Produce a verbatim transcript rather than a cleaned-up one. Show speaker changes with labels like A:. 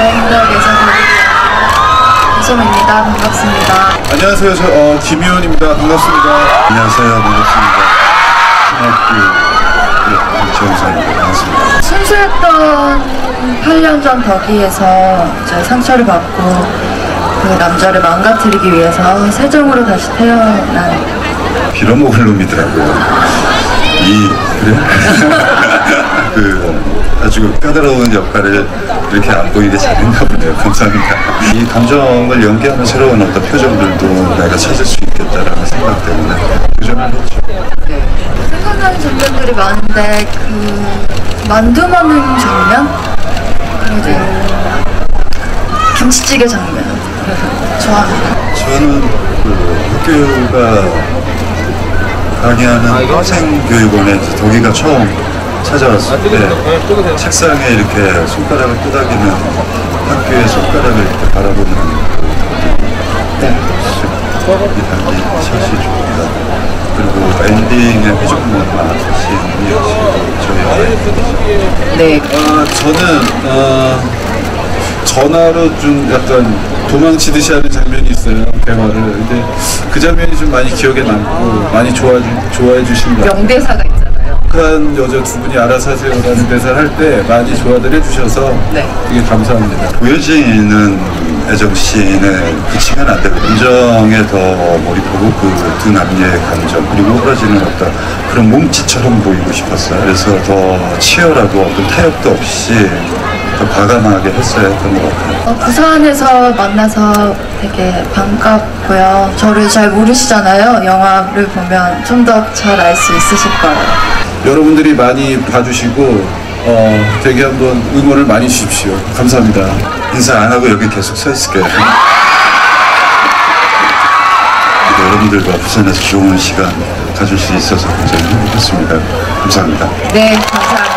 A: 대인덕에서 이소입니다. 반갑습니다.
B: 안녕하세요. 저 어, 김희원입니다. 반갑습니다.
C: 안녕하세요. 반갑습니다. 신학교 지원사입니다. 반갑습니다.
A: 순수했던 팔 년 전 덕이에서 이제 상처를 받고 그 남자를 망가뜨리기 위해서 세정으로 다시 태어난
C: 빌어먹을 놈이더라고요. 이 그래? 그 아주 까다로운 역할을 이렇게 안 보이게 잘했나 보네요. 감사합니다. 이 감정을 연기하는 새로운 어떤 표정들도 내가 찾을 수 있겠다라는 생각 때문에 도전을 했죠.
A: 네. 생각나는 장면들이 많은데 그 만두 먹는 장면? 그리고 김치찌개 장면 좋아합니다.
C: 저는 그 학교가 강의하는 학생교육원에 덕이가 처음 찾아왔을 때 책상에 이렇게 손가락을 끄덕이는 학교의 손가락을 이렇게 바라보는 네. 이 단기 샷이 좋습니다. 그리고 엔딩에 회전문화 씬이 저희 아이
A: 네.
B: 아, 저는 어, 전화로 좀 약간 도망치듯이 하는 장면이 있어요. 대화를. 근데 그 장면이 좀 많이 기억에 남고 많이 좋아, 좋아해 주신 것 같아요.
A: 명대사가 있잖아요.
B: 북한 여자 두 분이 알아서 하세요라는 대사를 할 때 많이 좋아들 해주셔서
A: 네.
B: 되게 감사합니다.
C: 보여지는 애정씬에 그치면 안 되고 감정에 더 몰입하고 그 두 남녀의 감정 그리고 흐러지는 어떤 그런 몸짓처럼 보이고 싶었어요. 그래서 더 치열하고 어떤 타협도 없이 더 과감하게 했어야 했던 것 같아요.
A: 어, 부산에서 만나서 되게 반갑고요. 저를 잘 모르시잖아요. 영화를 보면 좀 더 잘 알 수 있으실 거예요.
B: 여러분들이 많이 봐주시고 어, 되게 한번 응원을 많이 주십시오. 감사합니다.
C: 인사 안 하고 여기 계속 서 있을게요. 여러분들과 부산에서 좋은 시간 가질 수 있어서 굉장히 행복했습니다. 감사합니다.
A: 네, 감사합니다.